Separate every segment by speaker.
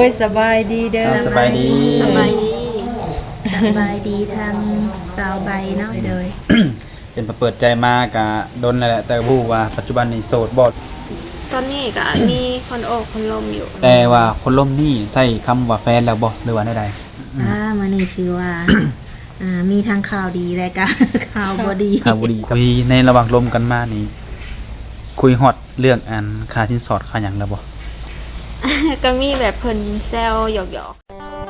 Speaker 1: สบายดีเด้อ
Speaker 2: สบายดี
Speaker 3: สบายดีสบายดีทางสาวใบเนาะเลย
Speaker 2: เป็นเปิดใจมากะดนนั่นแหละแต่ผู้ว่าปัจจุบันนี้โสดบ่
Speaker 3: ตอนนี้ก็มีคนโอบคนลมอยู่
Speaker 2: แต่ว่าคนล่มนี่ใส่คำว่าแฟนแล้วบ่หรือว่าใด
Speaker 4: มานี่ชื่อว่า มีทางข่าวดีและก็ ข่าวบ่ดี
Speaker 2: ๆข่าวบ่ดีคุยในระหว่างลมกันมานี่คุยฮอดเรื่องอันค่าสินสอดค่าหยังแล้วบ่
Speaker 3: ก็มีแบบเพิ่นแซวหยอก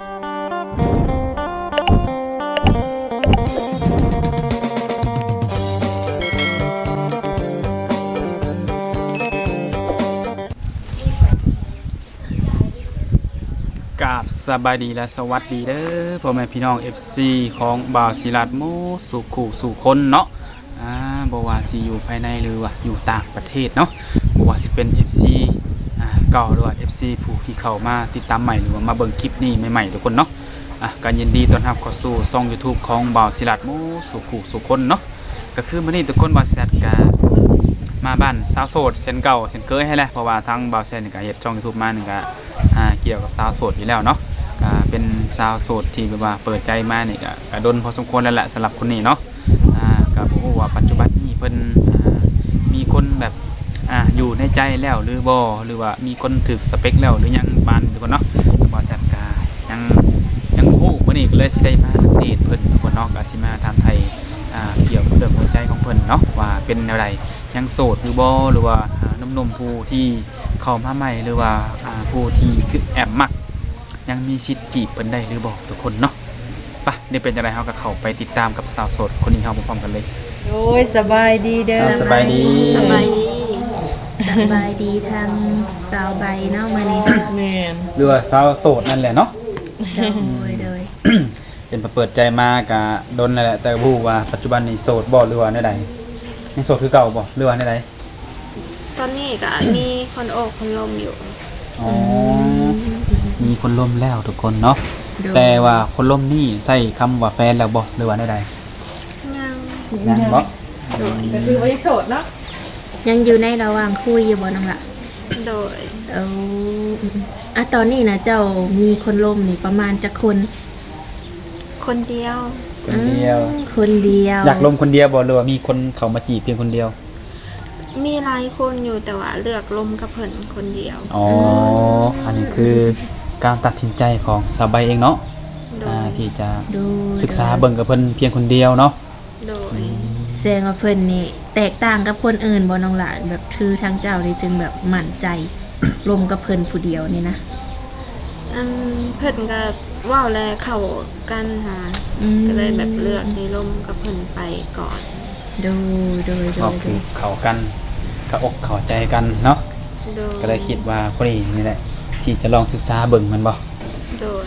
Speaker 2: กราบสบายดีและสวัสดีเด้อพ่อแม่พี่น้อง FC ของบ่าวศิลาดโมสุขุสู่คนเนาะบ่ว่าสิอยู่ภายในหรือว่าอยู่ต่างประเทศเนาะบ่ว่าสิเป็น FC เก่าหรือว่า FC ผู้ที่เข้ามาติดตามใหม่หรือว่ามาเบิ่งคลิปนี้ใหม่ๆทุกคนเนาะก็ยินดีต้อนรับเข้าสู่ช่อง YouTube ของบ่าวศิลาดโมสุขุสู่คนเนาะก็คือมื้อนี้ทุกคนบ่าวแซดก็มาบ้านสาวโสดเช่นเก่าเช่นเคยให้แหละเพราะว่าทางบ่าวแซดนี่ก็เฮ็ดช่อง YouTube มานี่ก็เกี่ยวกับสาวโสดอยู่แล้วเนาะก็เป็นสาวโสดที่แบบว่าเปิดใจมานี่ก็ดนพอสมควรแล้วแหละสำหรับคนนี้เนาะก็บ่ฮู้ว่าปัจจุบันนี้เพิ่นมีคนแบบอยู่ในใจแล้วหรือบ่หรือว่ามีคนถึกสเปคแล้วหรือยังปานทุกคนเนาะบ่แซ่บก็ยังบ่ฮู้มื้อนี้ก็เลยสิได้มาอัปเดตเพิ่นทุกคนเนาะก็สิมาถามไทยเกี่ยวกับเรื่องหัวใจของเพิ่นเนาะว่าเป็นแนวใดยังโสดหรือบ่หรือว่าหนุ่มๆผู้ที่เข้ามาใหม่หรือว่าผู้ที่คือแอบมักยังมีสิทธิ์จีบเพิ่นได้หรือบ่ทุกคนเนาะไปเดี๋ยวเป็นจังได๋เฮาก็เข้าไปติดตามกับสาวโสดคนนี้เฮาพร้อมๆกันเลย
Speaker 1: โอ้ยสบายดีเด้อ
Speaker 2: สบายดี
Speaker 3: สบายดี
Speaker 4: สบายดีทางสาวใบเนาะมานี่
Speaker 1: แม่น
Speaker 2: หรือว่าสาวโสดนั่นแหละเนาะ
Speaker 4: โดย
Speaker 2: เป็นเปิดใจมากะดนนั่นแหละแต่ผู้ว่าปัจจุบันนี้โสดบ่หรือว่าใดๆยังโสดคือเก่าบ่หรือว่าใด
Speaker 3: ตอนนี้ก็มีคนโอบคนลมอยู่
Speaker 2: ๆอ๋อมีคนล่มแล้วทุกคนเนาะ
Speaker 4: โดย
Speaker 2: แต่ว่าคนล่มนี่ใส่คำว่าแฟนแล้วบ่หรือว่าใด
Speaker 3: ยัง
Speaker 2: ๆยังบ่
Speaker 1: ก็คือว่ายังโสดเนาะ
Speaker 4: ยังอยู่ในระหว่างคุยอยู่บ่น้องละ
Speaker 3: โดย
Speaker 4: ตอนนี้นะเจ้ามีคนล่มนี่ประมาณจักคน
Speaker 3: คนเดียว
Speaker 2: คนเดียว
Speaker 4: คนเดียว
Speaker 2: อยากล่มคนเดียวบ่หรือว่ามีคนเข้ามาจีบเพียงคนเดียว
Speaker 3: มีหลายคนอยู่แต่ว่าเลือกลมกับเพิ่นคนเดียว
Speaker 2: อ๋ออันนี้คือการตัดสินใจของสาวใบเองเนาะ
Speaker 3: โดย
Speaker 2: ที่จะ
Speaker 4: ดู
Speaker 2: ศึกษาเบิ่งกับเพิ่นเพียงคนเดียวเนาะ
Speaker 3: โดย
Speaker 4: แสดงว่าเพิ่นนี่แตกต่างกับคนอื่นบ่น้องละแบบคือทางเจ้านี่จึงแบบมั่นใจ ลมกับเพิ่นผู้เดียวนี่นะ
Speaker 3: เพิ่นก็เว้าแลเข้ากันหาก็เลยแบบเลือกในลมกับเพิ่นไปก่อน
Speaker 4: โดย
Speaker 2: ก็คือเข้ากันเข้าอกเข้าใจกันเนาะ
Speaker 3: โดย
Speaker 2: ก็เลยคิดว่าคนนี้นี่แหละที่จะลองศึกษาเบิ่งมันบ่
Speaker 3: โดย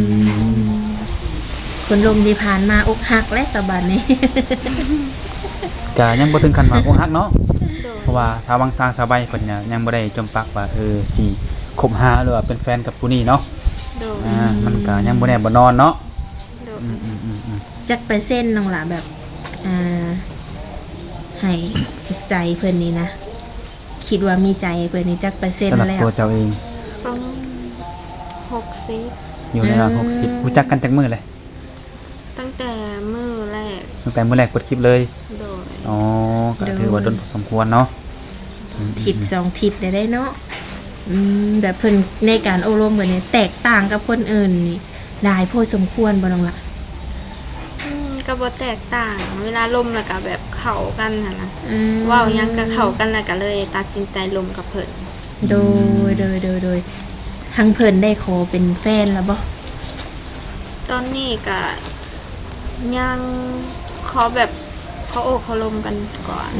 Speaker 4: คนลมที่ผ่านมาอกหักและสะบัดนี่
Speaker 2: ก็ยังบ่ถึงขั้นว่าอกหักเนาะ
Speaker 3: โดย
Speaker 2: เพราะว่าชาวบางทางชาวใบเพิ่นเนี่ยยังบ่ได้จมปักว่าสิคบหาหรือว่าเป็นแฟนกับผู้นี้เนาะ
Speaker 3: โดย
Speaker 2: มันก็ยังบ่แน่บ่นอนเนาะ
Speaker 3: โดย
Speaker 4: จักเปอร์เซ็นต์น้องละแบบให้ใจเพิ่นนี่นะคิดว่ามีใจเพิ่นนี่จักเปอร์เซ็น
Speaker 2: สำ
Speaker 4: ต์
Speaker 2: หรับ
Speaker 4: แล้ว
Speaker 2: ตัวเจ้าเอง
Speaker 3: ประมาณ60
Speaker 2: อยู่ในระดับ60รู้จักกันจักมื้อเลย
Speaker 3: ตั้งแต่มื้อแรก
Speaker 2: ตั้งแต่มื้อแรกกดคลิปเลย
Speaker 3: โดย
Speaker 2: อ๋อก็ถือว่าดนพอสมควรเนาะ
Speaker 4: ทิศสองทิศได้เนาะแบบเพิ่นในการอบรมกันเนี่ยแตกต่างกับคนอื่นนี่ได้พอสมควรบ่น้องละ
Speaker 3: ก็บ่แตกต่าง เวลาลมแล้วก็แบบเข้ากันหั่นนะเว้าหยังก็เข้ากันแล้วก็เลยตัดสินใจลมกับเพิ่น
Speaker 4: โดยทางเพิ่นได้ขอเป็นแฟนแล้วบ่
Speaker 3: ตอนนี้ก็ยังขอแบบเขาโอ้เขาลมกันก่อน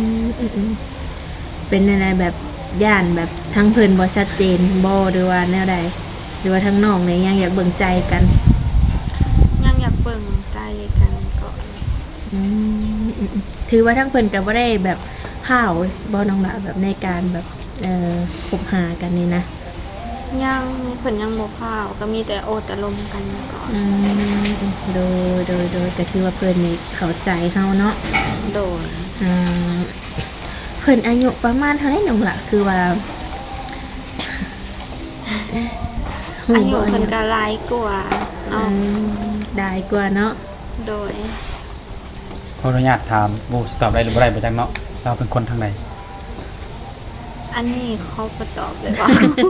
Speaker 4: เป็นอะไรแบบย่านแบบทั้งเพิ่นบ่ชัดเจนบ่หรือว่าแนวใดหรือว่าทั้งน้องเนี่ยยังอยากเบิ่งใจกัน
Speaker 3: ยังอยากเบิ่งใจกันก่อน
Speaker 4: ถือว่าทั้งเพิ่นก็บ่ได้แบบห้าวบ่น้องละแบบในการแบบคบหากันนี่นะ
Speaker 3: ยังเพิ่นยังบ่เข้าวก็มีแต่โอแต่ลมกันก่อน
Speaker 4: โดยก็ถือว่าเพิ่นนี่เข้าใจเฮาเนาะ
Speaker 3: โดย
Speaker 4: เพิ่นอายุประมาณเท่าไหร่น้องละคือว่า
Speaker 3: อายุเพิ่นก็หลายกว่าเนาะ
Speaker 4: ได้กว่าเนาะ
Speaker 3: โดย
Speaker 2: ขออนุญาตถามบ่สิตอบได้หรือบ่ได้บ่จักเนาะเราเป็นคนทางใด
Speaker 3: อันนี้เขาบ่ตอบเลยว่า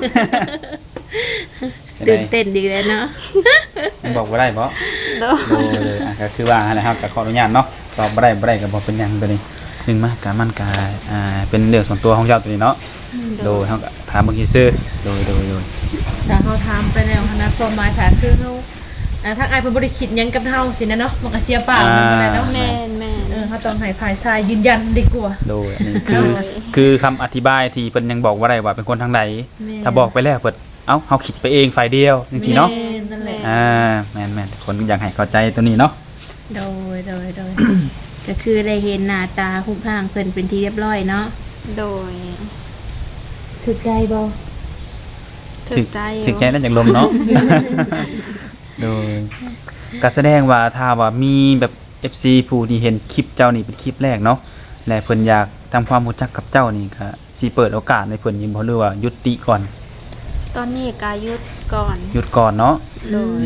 Speaker 4: ตื่นเต้นดีเลยเนาะ
Speaker 2: ยังบอกบ่ได้บ่
Speaker 3: โดย
Speaker 2: โดยเลยก็คือว่าอะไรครับก็ขออนุญาตเนาะตอบบ่ได้ก็บ่เป็นหยังตัวนี้นึงมาการมันกายเป็นเรื่องส่วนตัวของเจ้าตัวนี้เนาะโดยเฮาก็ถามเบิ่งซื่อโดย
Speaker 1: แต่เขาถามไปแล้วนะความหมายค่ะคือเขาทางอายเพิ่นบ่ได้คิดหยังกับเฮาสินะเนาะมันก็เสียเปล่ามันบ่ได้เนาะ
Speaker 3: แม่นแม่น
Speaker 1: เขาต้องให้ฝ่ายชายยืนยันดีกว่า
Speaker 2: โดยอันนี้คือคำอธิบายที่เพิ่นยังบอกว่าได้ว่าเป็นคนทางใดถ้าบอกไปแล้วเพิ่นเอ้าเฮาคิดไปเองฝ่ายเดียวจริงๆเนาะ
Speaker 1: แม่นั่นแหละ
Speaker 2: แม่นคนอยากให้เข้าใจตัวนี้เนาะ
Speaker 4: โดย ก็คือได้เห็นหน้าตารูปร่างเพิ่นเป็นที่เรียบร้อยเนาะ
Speaker 3: โดย
Speaker 1: ถึกใจบ่
Speaker 3: ถึกใจอยู่
Speaker 2: ถึกใจนั่นจากลมเนาะ โดยก็แสดงว่าถ้าว่ามีแบบ FC ผู้ที่เห็นคลิปเจ้านี่เป็นคลิปแรกเนาะและเพิ่นอยากทำความรู้จักกับเจ้านี่ก็สิเปิดโอกาสให้เพิ่นยินบ่หรือว่ายุติก่อน
Speaker 3: ตอนนี้ก็หยุดก่อน
Speaker 2: หยุดก่อนเนาะ
Speaker 3: โดย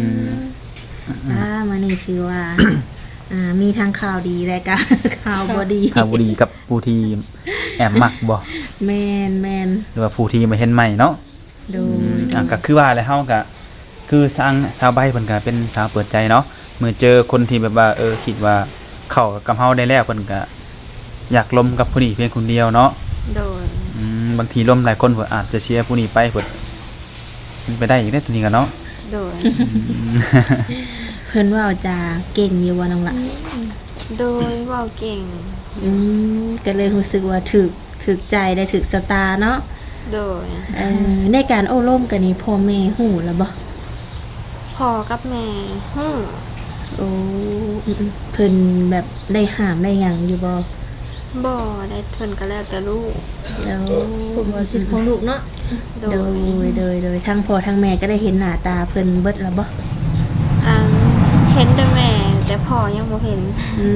Speaker 4: มานี่ถือว่า มีทางข่าวดีและก็ ข่าวบ่ดี
Speaker 2: ข่าวบ่ดีกับผู้ที่แอบมักบ่
Speaker 4: แม่น
Speaker 2: หรือว่าผู้ที่มาเห็นใหม่เนาะ
Speaker 4: โดย
Speaker 2: ก็คือว่าแล้วเฮาก็คือสาวใบเพิ่นก็เป็นสาวเปิดใจเนาะเมื่อเจอคนที่แบบว่าคิดว่าเข้ากับเฮาได้แล้วเพิ่นก็อยากลมกับผู้นี้เพียงคนเดียวเนาะ
Speaker 3: โดย
Speaker 2: บางทีลมหลายคนเพิ่นอาจจะเชียร์ผู้นี้ไปเพิ่นมันไปได้อีกได้ตัวนี้กันเนาะ
Speaker 3: โดย
Speaker 4: เพิ่นว่าจะเก่งอยู่ว่าน้องละ
Speaker 3: โดยเว้าเก่ง
Speaker 4: ก็เลยรู้สึกว่าถึกใจได้ถึกสตาร์เนาะ
Speaker 3: โดย
Speaker 4: ในการโอ้ร่มกันนี้พ่อแม่หูแล้วบ่
Speaker 3: พ่อกับแม่ฮู้
Speaker 4: โอ้เพิ่นแบบได้ห้ามได้หยังอยู่บ่
Speaker 3: บ่ได้เพิ่นก็แล้วแต่ลูก
Speaker 4: แล้ว
Speaker 1: ผมว่าสิทธิ์ของลูกเนาะ
Speaker 3: โด
Speaker 4: โดยทั้งพ่อทั้งแม่ก็ได้เห็นหน้าตาเพิ่นเบิดแล้วบ่
Speaker 3: อ่าเห็นแต่แม่แต่พ่อยังบ่เห็น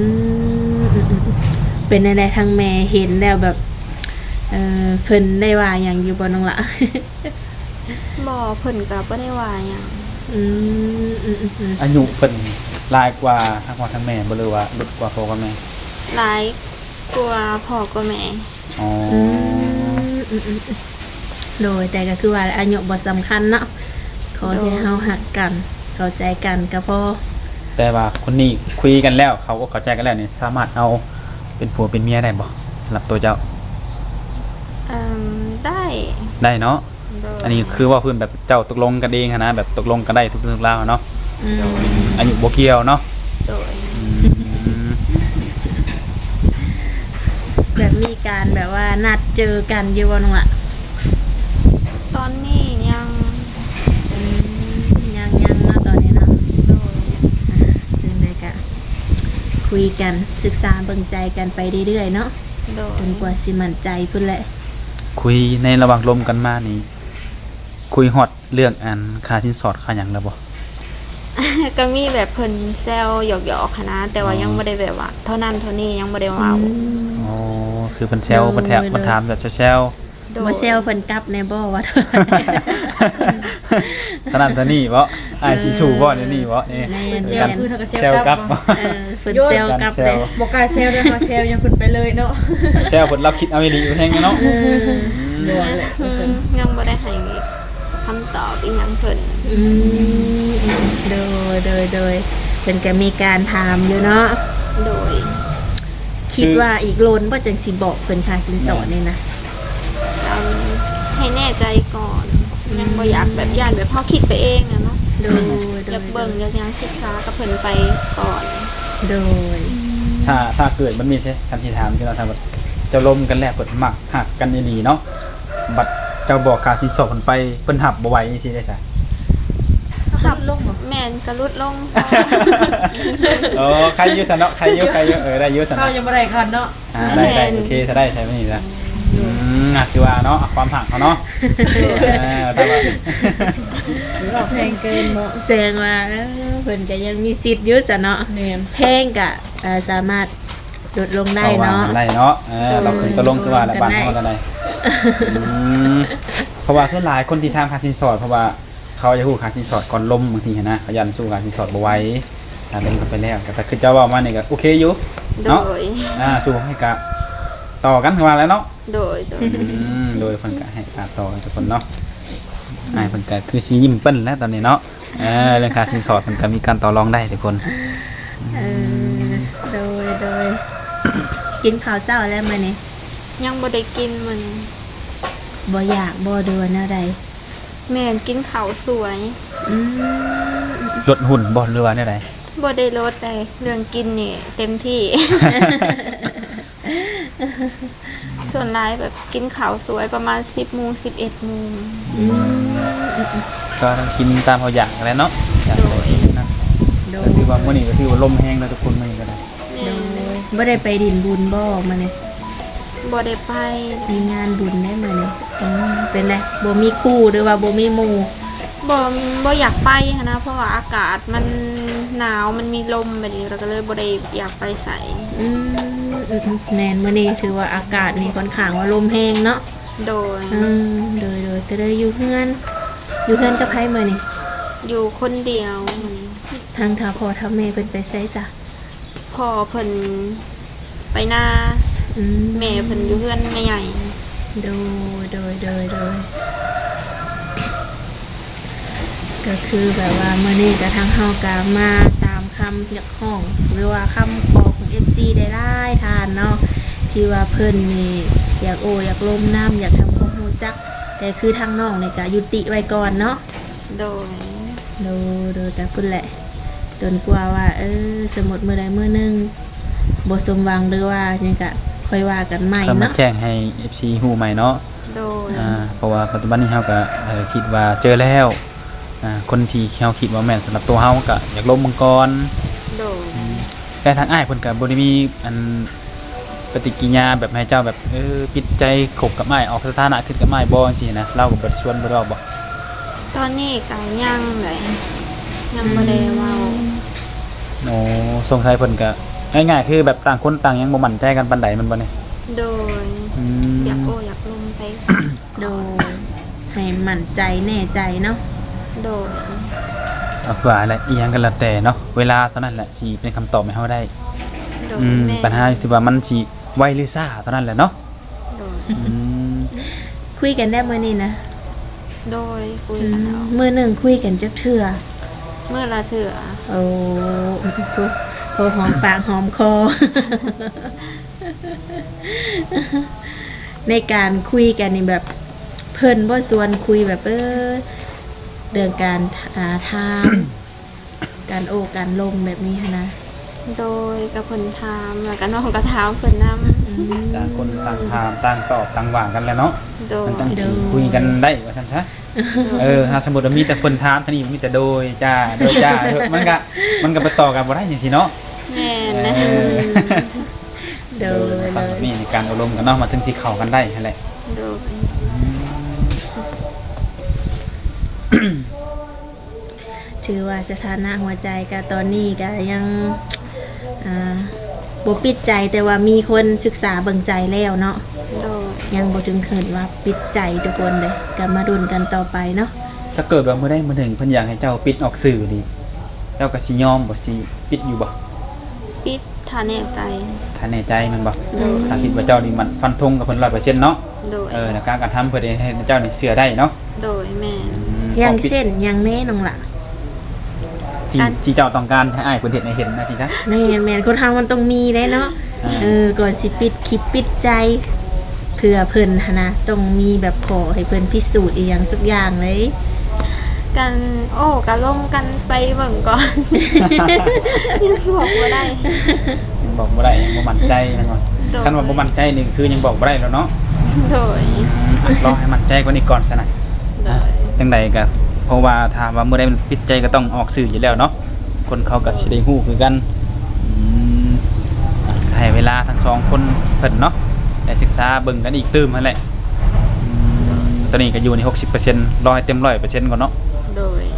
Speaker 4: เป็นอะไรทั้งแม่เห็นแล้วแบบเพิ่นได้ว่าหยังอยู่บ่น้องละ
Speaker 3: บ่เพิ่นก็บ่ได้ว่าหยัง
Speaker 2: อายุเพิ่นหลายกว่าทั้งพ่อทั้งแม่บ่หรือว่าลดกว่าพ่อกับแม่
Speaker 3: หลายกว่าพ่อกว่าแม่
Speaker 2: อ๋อ
Speaker 4: โดยแต่ก็คือว่าอายุบ่สำคัญเนาะขอให้เฮาหักกันเข้าใจกันก็พอ
Speaker 2: แต่ว่าคนนี้คุยกันแล้วเขาก็เข้าใจกันแล้วนี่สามารถเอาเป็นผัวเป็นเมียได้บ่สำหรับตัวเจ้า
Speaker 3: ได้
Speaker 2: ได้เนาะ
Speaker 3: โดย
Speaker 2: อันนี้คือว่าเพิ่นแบบเจ้าตกลงกันเองหั้นนะแบบตกลงกันได้ทุกเรื่องราวเนาะอายุบ่เกี่ยวเนาะ
Speaker 3: โดย
Speaker 4: แบบมีการแบบว่านัดเจอกันอยู่บ่น้องละ
Speaker 3: ตอนนี้ยัง
Speaker 4: ยังเนาะตอนนี้เนาะ
Speaker 3: โดย
Speaker 4: จึงได้ก็คุยกันศึกษาเบิ่งใจกันไปเรื่อยๆเนาะ
Speaker 3: โดย
Speaker 4: จนกว่าสิมั่นใจพุ่นแหละ
Speaker 2: คุยในระหว่างลมกันมานี่คุยฮอดเรื่องอันค่าสินสอดค่าหยังแล้วบ่
Speaker 3: ก็มีแบบเพิ่นแซวหยอกๆค่ะนะแต่ว่ายังบ่ได้แบบว่าเท่านั้นเท่านี้ยังบ่ได้เว้า
Speaker 2: อ๋อคือเพิ่นแซวเพิ่นแทบเพิ่นถามแบบแซว
Speaker 3: โดย
Speaker 4: บ่เซลเพิ่นกลับแน่บ่ว่า
Speaker 2: ๆเท่านั้นเท่านี้บ่อ้ายสิสู้บ่เดี๋ยวนี้บ่นี่
Speaker 4: แม่น
Speaker 1: เซล
Speaker 4: แม่น
Speaker 1: คือเขาก็เซ
Speaker 2: แซ
Speaker 1: ล
Speaker 2: ว
Speaker 1: ก
Speaker 2: ก
Speaker 1: ลั
Speaker 2: ลั
Speaker 1: บบ
Speaker 4: เพิ่นเซลกลับเลย
Speaker 1: บ่กล้าเซลด้วยเขาเซลยังคุณไปเลยเนาะ
Speaker 2: แซวเพิ่นรับคิดเอาอีหลีอยู่แฮงเนาะ
Speaker 1: โดนเลย
Speaker 3: ยังบ่ได้ให้คำตอบอีหยังเพิ่น
Speaker 4: โดยเพิ่นก็มีการถามอยู่เนาะ
Speaker 3: โดย
Speaker 4: คิดว่าอีกโลนบ่จังสิบอกเพิ่นค่าสินสอดนี่นะ
Speaker 3: ให้แน่ใจก่อนยังบ่อยากแบบย่านแบบเฮาคิดไปเองนะเนาะ
Speaker 4: โดย
Speaker 3: อยากเบิ่งอยากยังศึกษากับเพิ่นไปก่อน
Speaker 4: โดย
Speaker 2: ถ้าเกิดมันมีใช่คันที่ถามที่เราถามว่าเจ้าลมกันแล้วเพิ่นมักหักกันอีหลีเนาะบัดเจ้าบอกค่าสินสอดเพิ่นไปเพิ่นหับบ่ไหวจังซี่ได้ซะ
Speaker 1: หับลงบ่
Speaker 3: แม่นก็ลุดลง
Speaker 2: ใครอยู่ซะเนาะใครอยู่ได้อยู่ซะ
Speaker 1: เขา
Speaker 2: เนาะ
Speaker 1: ยังบ่ได้คันเนาะ
Speaker 2: ได้โอเคถ้าได้ใช่มั้ยนี่ล่ะคือว่าเนาะความหักเขาเนาะแต่ว่า
Speaker 1: เราแพงเกินเนาะ
Speaker 4: แสดงว่าเพิ่นก็ยังมีสิทธิ์อยู่ซะเนาะ
Speaker 1: แม่น
Speaker 4: แพงก็สามารถลดลงได้เนาะ
Speaker 2: ได้เนาะเราขึ้นตะลงคือว่าแล้วบ้านเฮากันได้เพราะว่าส่วนหลายคนที่ทำค่าสินสอดเพราะว่าเขาจะฮู้ค่าสินสอดก่อนล้มบางทีหั้นนะเขายันสู้ค่าสินสอดบ่ไหวถ้าล้มกันไปแล้วแต่คือเจ้าเว้ามานี่ก็โอเคอยู่
Speaker 3: โด
Speaker 2: เนาะ
Speaker 3: ย
Speaker 2: สู้ให้กะต่อกันคือว่าแล้วเนาะ
Speaker 3: โดย
Speaker 2: โดยเพิ่นก็ให้การต่อทุกคนเนาะเพิ่นก็คือสิยิ้มเปิ้นแล้วตอนนี้เนาะเรื่องค่าสินสอดเพิ่นก็มีการต่อรองได้ทุกคน
Speaker 4: โดยกินข้าวเช้าแล้วมื้อนี้
Speaker 3: ยังบ่ได้กินมัน
Speaker 4: บ่อยากบ่เดือนอะไร
Speaker 3: แม่นกินข้าวสวย
Speaker 2: ลดหุ่นบ่หรือว่าแนวใด
Speaker 3: บ่ได้ลดเลยเรื่องกินนี่เต็มที่ ส่วนหลายแบบกินข้าวสวยประมาณ 10 โมง 11 โมง
Speaker 2: ก็ต้องกินตามเขาอยากแหล้วเนาะอยาก
Speaker 3: โดย
Speaker 2: กินนะก็คือว่ามื้อนี้ก็คือว่าลมแห้งแล้วทุกคนมื้อนี้ก็ได้
Speaker 3: แม่
Speaker 4: บ่ได้ไปดินบุญบ่มื้อนี้
Speaker 3: บ่ได้ไป
Speaker 4: มีงานบุญได้มื้อนี้เป็นไงบ่มีคู่หรือว่าบ่มีหมู่
Speaker 3: บ่อยากไปหั้นนะเพราะว่าอากาศมันหนาวมันมีลมแบบนี้เราก็เลยบ่ได้อยากไปใส่
Speaker 4: แน่นมื้อนี้ถือว่าอากาศนี่ค่อนข้างว่าลมแรงเนาะ
Speaker 3: โดย
Speaker 4: โดยก็เลยอยู่เฮือนกับไผมื้อนี้
Speaker 3: อยู่คนเดียวมื้อนี้
Speaker 4: ทางถ้าพ่อถ้าแม่เพิ่นไปไสซะ
Speaker 3: พ่อเพิ่นไปนา แม่เพิ่นอยู่เฮือนแม่ใหญ่
Speaker 4: โดยก็คือแบบว่ามื้อนี้ก็ทางเฮาก็มาตามคำเรียกร้องหรือว่าคำขอของ FC ได้หลายทานเนาะที่ว่าเพิ่นนี่อยากอยากลมน้ำอยากทำความรู้จักแต่คือทางน้องนี่ก็ยุติไว้ก่อนเนาะ
Speaker 3: โดย
Speaker 4: โดยแต่พุ่นแหละจนกว่าว่าสมมุติมื้อใดมื้อหนึงบ่สมหวังหรือว่าหยังก็ค่อยว่ากันใหม่
Speaker 2: ก็มา
Speaker 4: เนาะ
Speaker 2: แจ้งให้ FC ฮู้ใหม่เนาะ
Speaker 3: โดย
Speaker 2: เพราะว่าปัจจุบันนี้เฮาก็คิดว่าเจอแล้วคนที่เฮาคิดว่าแม่นสำหรับตัวเฮาก็อยากล้มมังกร
Speaker 3: โดย
Speaker 2: แต่ทางอ้ายเพิ่นก็บ่ได้มีอันปฏิกิริยาแบบให้เจ้าแบบปิดใจคบกับอ้ายออกสถานะขึ้นกับอ้ายบ่จังซี่นะเราก็บ่ได้ชวนบ่ได้บอก
Speaker 3: ตอนนี้ก็ยังเลยยังบ่ได้เว้า
Speaker 2: โอ้สงสัยเพิ่นก็ง่ายๆคือแบบต่างคนต่างยังบ่มั่นใจกันปานใดมันบ่เนี่ย
Speaker 3: โดย อยากอยากลงไป
Speaker 4: โดยให้มั่นใจแน่ใจเนาะ
Speaker 3: โดย
Speaker 2: เอาว่าอะไรอีหยังก็แล้วแต่เนาะเวลาเท่านั้นแหละสิเป็นคำตอบให้เฮาได้
Speaker 3: โดย
Speaker 2: ปั
Speaker 3: แม่
Speaker 2: ญหาที่ว่ามันสิไวหรือซ่าเท่านั้นแหละเนาะ
Speaker 3: โดย
Speaker 4: คุยกันได้มื้อนี้นะ
Speaker 3: โดยคุยกันแล้ว
Speaker 4: มื้อหนึงคุยกันจักเทื่อ
Speaker 3: เมื่อละเถื่อ
Speaker 4: โอ้โหหอมปากหอมคอ ในการคุยกันนี่แบบเพิ่นบ่ชวนคุยแบบเรื่องการทางการการลมแบบนี้หั้นนะ
Speaker 3: โดยกับเพิ่นถามแล้วก็น้องก็ถามเพิ่นนำ
Speaker 2: ต่างคนต่างถามต่างตอบต่างว่ากันแหล้วเนาะ
Speaker 3: โดย
Speaker 2: มันจังสิคุยกันได้ว่าซั่นซะถ้าสมมุติว่ามีแต่คนถามท่านี้มีแต่โดยจ้ามันก็ไปต่อกันบ่ได้จังซี่เนาะ
Speaker 3: แม่นะ
Speaker 4: โดย
Speaker 2: ฟังแบบนี้ในการอบรมกันเนาะมาถึงสิเข้ากันได้นั่นแหละ
Speaker 3: โดย
Speaker 4: ถือว่าสถานะหัวใจก็ตอนนี้ก็ยังบ่ปิดใจแต่ว่ามีคนศึกษาเบิ่งใจแล้วเนาะ
Speaker 3: โดย
Speaker 4: ยังบ่ถึงขั้นว่าปิดใจทุกคนเลยก็มาดุนกันต่อไปเนาะ
Speaker 2: ถ้าเกิดว่ามื้อใดมื้อหนึ่งเพิ่นอยากให้เจ้าปิดออกสื่อนี่เจ้าก็สิยอมบ่สิปิดอยู่บ่
Speaker 3: ปิดทาแน่ใจ
Speaker 2: ถ้าแน่ใจมันบ่
Speaker 3: โดย
Speaker 2: ถ้าคิดว่าเจ้านี่มันฟันธงกับเพิ่น 100% เนาะ
Speaker 3: โดย
Speaker 2: ในการกระทำเพื่อให้เจ้านี่เชื่อได้เนาะ
Speaker 3: โดยแม่
Speaker 4: อย่างเช่นอย่างแน่น้องล่ะ
Speaker 2: ที่เจ้าต้องการให้อ้ายเพิ่นเห็นให้เห็นนะสิจ๊ะ
Speaker 4: แม่นคนทำมันต้องมีได้เนาะก่อนสิปิดคลิปปิดใจเพื่อเพิ่นหั้นนะต้องมีแบบขอให้เพิ่นพิสูจน์อีหยังสักอย่างเลย
Speaker 3: กันกันลงกันไปเบิ่งก่อน ยังบอกบ่ได้
Speaker 2: ยังบอกบ่ได้ยังบ่มั่นใจนั่นว่าคันว่าบ่มั่นใจนี่คือยังบอกบ่ได้แล้วเนาะ
Speaker 3: โดย
Speaker 2: รอให้มั่นใจกว่านี้ก่อนซะหน่อย
Speaker 3: โดย
Speaker 2: จังใดก็เพราะว่าถ้าว่ามื้อใดมันปิดใจก็ต้องออกสื่ออยู่แล้วเนาะคนเขาก็สิได้ฮู้คือกันให้เวลาทั้งสองคนเพิ่นเนาะได้ศึกษาเบิ่งกันอีกตื่มนั่นแหละตอนนี้ก็อยู่ใน 60% รอให้เต็ม 100% ก่อนเนาะ
Speaker 3: โดย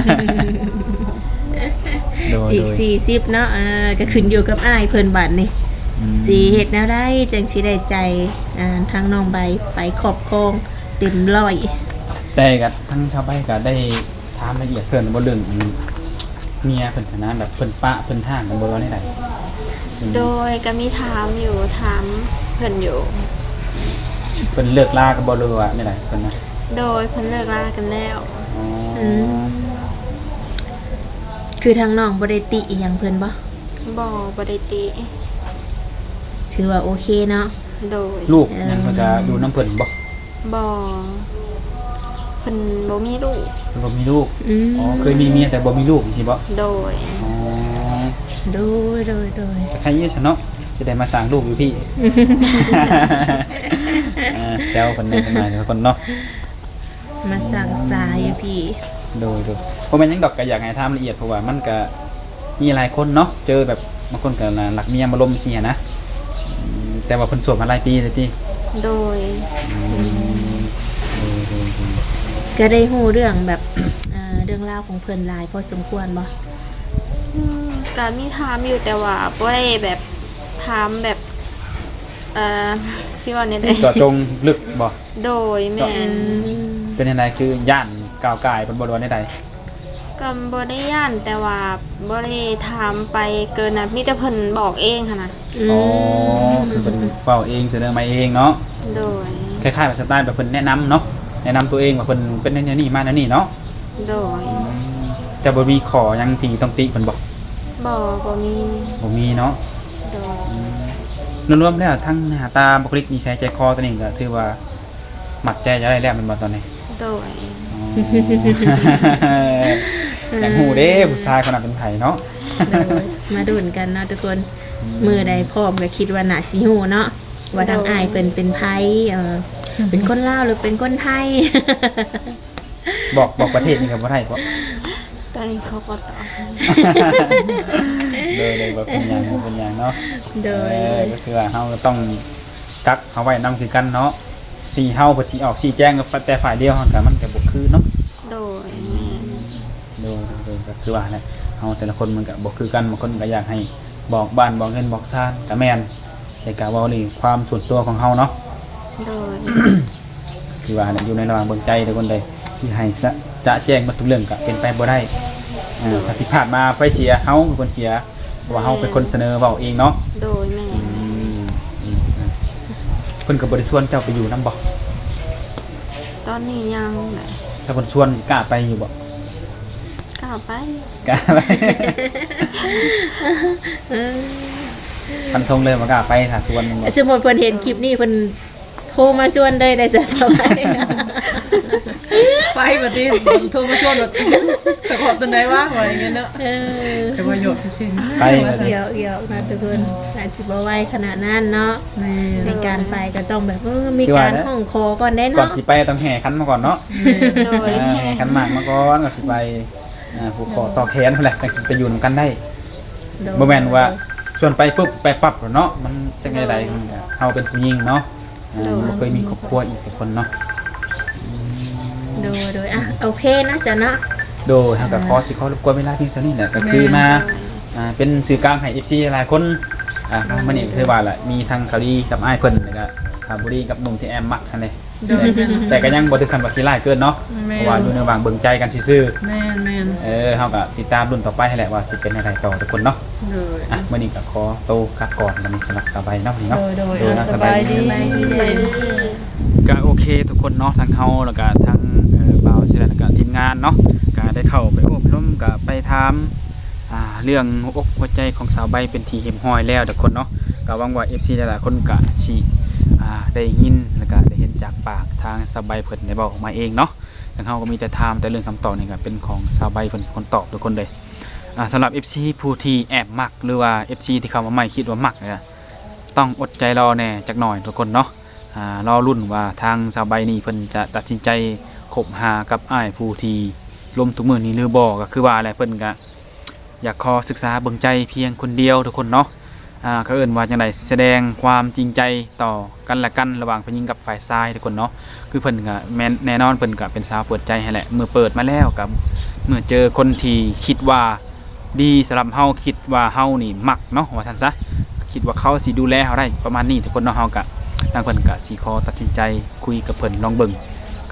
Speaker 4: อีก40เนาะก็ขึ้นอยู่กับอ้ายเพิ่นบัดนี่สิเฮ็ดแนวใดจังสิได้ใจทางน้องใบไปครอบครองเต็มร้อย
Speaker 2: แต่ก็ทั้งชาวบ้านก็ได้ถามละเอียดเพิ่นบ่เรื่องเมียเพิ่นนะแบบเพิ่นปะเพิ่นห้างกันบ่ว่าได้ใด
Speaker 3: โดยก็มีถามเพิ่นอยู่
Speaker 2: เพิ่นเลิกลากันบ่รู้ว่าได้ใดเพิ่นนะ
Speaker 3: โดยเพิ่นเลิกลากันแล้ว
Speaker 2: อ๋อ
Speaker 4: คือทางน้องบ่ได้ติอีหยังเพิ่นบ่
Speaker 3: บ่ได้ติ
Speaker 4: ถือว่าโอเคเนาะ
Speaker 3: โดย
Speaker 2: ลูกยังเพิ่นก็อยู่นํเพิ่นบ่
Speaker 3: บ่เพิ่นบ่มีลูก
Speaker 2: เพิ่นบ่มีลูก
Speaker 4: อืม
Speaker 2: อ๋อเคยมีเมียแต่บ่มีลูกสิบ่
Speaker 3: โดย
Speaker 2: อ๋อ
Speaker 4: โดย
Speaker 2: ใครอยู่ซะเนาะสิได้มาสร้างลูกอยู่พี่ แซวเพิ่นได้จังได๋ทุกคนเนาะ
Speaker 4: มาสั่งสายอยู่พี่
Speaker 2: โดยเพราะมันยังดอกก็อยากให้ถามละเอียดเพราะว่ามันก็มีหลายคนเนาะเจอแบบบางคนก็หลักเมียมาลมสินะแต่ว่าเพิ่นโสดมาหลายปีเลยติ
Speaker 3: โดย
Speaker 4: ก็ได้ฮู้เรื่องแบบ เรื่องราวของเพิ่นหลายพอสมควรบ่
Speaker 3: ก็มีถามอยู่แต่ว่าบ่ได้แบบถามแบบสิว่าแนวใด
Speaker 2: เจาะจงลึกบ่
Speaker 3: โดยแม่น
Speaker 2: เป็นยังไงคือย่านก้าวกายเพิ่นบ่รู้ว่าใด
Speaker 3: ก็บ่ได้ย่านแต่ว่าบ่ได้ถามไปเกินน่ะมีแต่เพิ่นบอกเองค่ะนะ
Speaker 2: ๆอ๋อคือเพิ่นเว้าเองเสนอมาเองเนาะ
Speaker 3: โดย
Speaker 2: คล้ายๆแบบสไตล์แบบเพิ่นแนะนำเนาะแนะนำตัวเองว่าเพิ่นเป็นแนวนี้มาแนวนี้เนาะ
Speaker 3: โดย
Speaker 2: จะบ่มีขอหยังที่ต้องติเพิ่นบ่
Speaker 3: บ่มี
Speaker 2: บ่มีเนาะ
Speaker 3: โดย
Speaker 2: รวมๆแล้วทั้งหน้าตาบุคลิกนิสัยใจคอตัวนี้ก็ถือว่ามักใจจะได้แล้วแมันบ่ตอนนี้
Speaker 3: โดย
Speaker 2: อ๋ออยากฮู้เด้ผู้ชายคนนั้นเป็นไผเนาะ
Speaker 4: โดยมาดุนกันเนาะทุกคนมือใดพร้อมก็คิดว่าน่าสิฮู้เนาะว่าทางอ้ายเพิ่นเป็นไผเป็นคนลาวหรือเป็นคนไทย
Speaker 2: บอกประเทศนี่ก็บ่ได้บ่
Speaker 3: ตอนนี้เขาก็ตอบ
Speaker 2: เลยบ่เป็นหยังบ่เป็นหยังเนาะ
Speaker 4: โดย
Speaker 2: ก็คือว่าเฮาก็ต้องกักเอาไว้นํคือกันเนาะที่เฮาบ่สิออกชี้แจงกับแต่ฝ่ายเดียวเฮาก็มันก็บ่คือเนาะ
Speaker 3: โดยแม่น
Speaker 2: โดยก็คือว่าแหละเฮาแต่ละคนมันก็บ่คือกันบางคนก็อยากให้บอกบ้านบอกเงินบอกซ่านก็แม่นแต่ก็เว้านี่ความส่วนตัวของเฮาเนาะ
Speaker 3: โดย
Speaker 2: คือว่าอยู่ในระหว่างเบิ่งใจทุกคนใดที่ให้จะแจ้งหมดทุกเรื่องก็เป็นไปบ่ได้ถ้าผิดพลาดมาไฟเสียเฮาเป็นคนเสียเพราะว่าเฮาเป็นคนเสนอเว้าเองเนาะ
Speaker 3: โดยแม่น
Speaker 2: เพิ่นก็บ่ได้ชวนเจ้าไปอยู่นำบ่
Speaker 3: ตอนนี้ยังแหละ
Speaker 2: ถ้าเพิ่นชวนกล้าไปอยู่บ่
Speaker 3: กล้าไป
Speaker 2: กล้าไปฟันธงเลยว่ากล้าไปถ้าชวนมันบ่
Speaker 4: สมมุติเพิ่นเห็นคลิปนี้เพิ่นโทรมาชวนเลยได้สบาย
Speaker 1: ไปบัดนี้โทรมาชวนบัดไปขอบตอนไหนวะว่าอย่างเงี้ยเนาะแต่ว่าโยกซื่อๆ
Speaker 2: ไป
Speaker 4: เดี๋ยวนะทุกคนอาจสิบ่ไหวขนาดนั้นเนาะในการไปก็ต้องแบบมีการห้องคอก่อนได้
Speaker 2: ก่อน
Speaker 4: เนาะ
Speaker 2: สิไปต้องแห่ขันมาก่อนเนาะ
Speaker 3: โดย
Speaker 2: แห่ขันหมากมาก่อนก่อนสิไปผูกคอต่อแขนพุ่นแหละจังสิไปอยู่นำกันได้บ่แม่นว่าชวนไปปุ๊บไปปั๊บเนาะมันจังได๋มันก็เฮาเป็นผู้หญิงเนาะบ่เคยมีครอบครัวอีกคนเนาะ
Speaker 4: โดยอ่ะโอเคนะจ๊ะเนาะ
Speaker 2: โดยเฮาก็ขอสิขอรบกวนเวลาเพียงเท่านี้แหละก็คือมาเป็นสื่อกลางให้ FC หลายคนมื้อนี้คือว่าล่ะมีทั้งข่าวดีกับอ้ายเพิ่นแล้วก็ข่าวบ่ดีกับหนุ่มที่แอมมักหั่นเด้แต่ก็ยังบ่ถึงขั้นว่าสิร้ายเกินเนาะเพราะว่าอยู่ในระหว่างเบิ่งใจกันซื่อ
Speaker 1: แม่น
Speaker 2: เฮาก็ติดตามรุ่นต่อไปให้แหละว่าสิเป็นอะไรต่อทุกคนเนาะ
Speaker 1: ๆโดย
Speaker 2: มื้อนี้ก็ขอโตวกลับก่อนวันนี้สำหรับสบายเนาะนี่เนาะ
Speaker 1: โดย
Speaker 2: นะ
Speaker 1: สบายดี
Speaker 2: ก็โอเคทุกคนเนาะทั้งเฮาแล้วก็ทั้งบ่าวศิลาแล้วก็ทีมงานเนาะก็ได้เข้าไปอบรมก็ไปถามเรื่องหัวอกหัวใจของสาวใบเป็นที่เห็มห้อยแล้วทุกคนเนาะก็หวังว่า FC หลายๆคนก็สิได้ยินแล้วก็ได้เห็นจากปากทางสาวใบเพิ่นได้บอกออกมาเองเนาะทั้งเฮาก็มีแต่ถามแต่เรื่องคำตอบนี่ก็เป็นของสาวใบเพิ่นเป็นคนตอบทุกคนเลยสำหรับ FC ผู้ที่แอบมักหรือว่า FC ที่เข้ามาใหม่คิดว่ามักเนี่ยต้องอดใจรอแน่จักหน่อยทุกคนเนาะรอรุ่นว่าทางสาวใบนี่เพิ่นจะตัดสินใจคบหากับอ้ายผู้ที่ลมทุกมื้อนี้หรือบ่ก็คือว่าอะไรเพิ่นก็อยากขอศึกษาเบิ่งใจเพียงคนเดียวทุกคนเนาะเขาเอิ้นว่าจังได๋แสดงความจริงใจต่อกันและกันระหว่างผู้หญิงกับฝ่ายชายทุกคนเนาะคือเพิ่นก็แน่นอนเพิ่นก็เป็นสาวเปิดใจให้แหละเมื่อเปิดมาแล้วกับเมื่อเจอคนที่คิดว่าดีสำหรับเฮาคิดว่าเฮานี่มักเนาะว่าซั่นซะคิดว่าเขาสิดูแลเฮาได้ประมาณนี้ทุกคนเนาะเฮาก็ทางเพิ่นก็สิขอตัดสินใจคุยกับเพิ่นลองเบิ่งกับ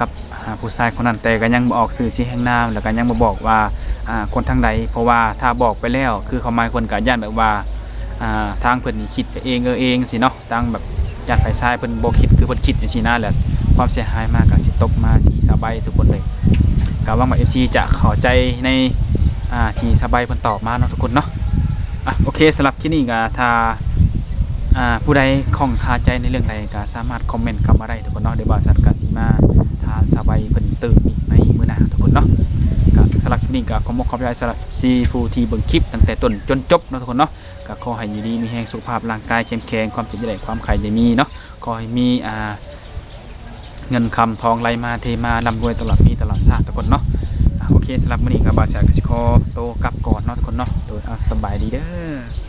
Speaker 2: ผู้ชายคนนั้นแต่ก็ยังบ่ออกสื่อชี้แห่งนามแล้วก็ยังบ่บอกว่าคนทางใดเพราะว่าถ้าบอกไปแล้วคือเขาหมายคนก็ย่านแบบว่าทางเพิ่นนี่คิดไปเองเองสิเนาะทางแบบย่านฝ่ายชายเพิ่นบ่คิดคือเพิ่นคิดจังซี่นะแหละความเสียหายมากก็สิตกมาที่สบายทุกคนเลยก็หวังว่า FC จะเข้าใจในที่สบายเพิ่นตอบมาเนาะทุกคนเนาะโอเคสำหรับที่นี่ก็ถ้าผู้ใดข้องคาใจในเรื่องใดก็สามารถคอมเมนต์เข้ามาได้ทุกคนเนาะเดี๋ยวบ่าวสัตว์ก็สิมาทานสบายเพิ่นตื่นอีกในมื้อหน้าทุกคนเนาะก็สำหรับที่นี่ก็ขอขอบใจสำหรับซีผู้ที่เบิ่งคลิปตั้งแต่ต้นจนจบเนาะทุกคนเนาะก็ขอให้อยู่ดีมีแรงสุขภาพร่างกายเข้มแข็งความเจ็บจะได้ความไข้จะมีเนาะขอให้มีเงินคำทองไหลมาเทมาร่ำรวยตลอดปีตลอดชาติทุกคนเนาะโอเคสำหรับมื้อนี้ก็บ่าวสัตว์ก็สิขอโตวกลับก่อนเนาะทุกคนเนาะโดยสบายดีเด้อ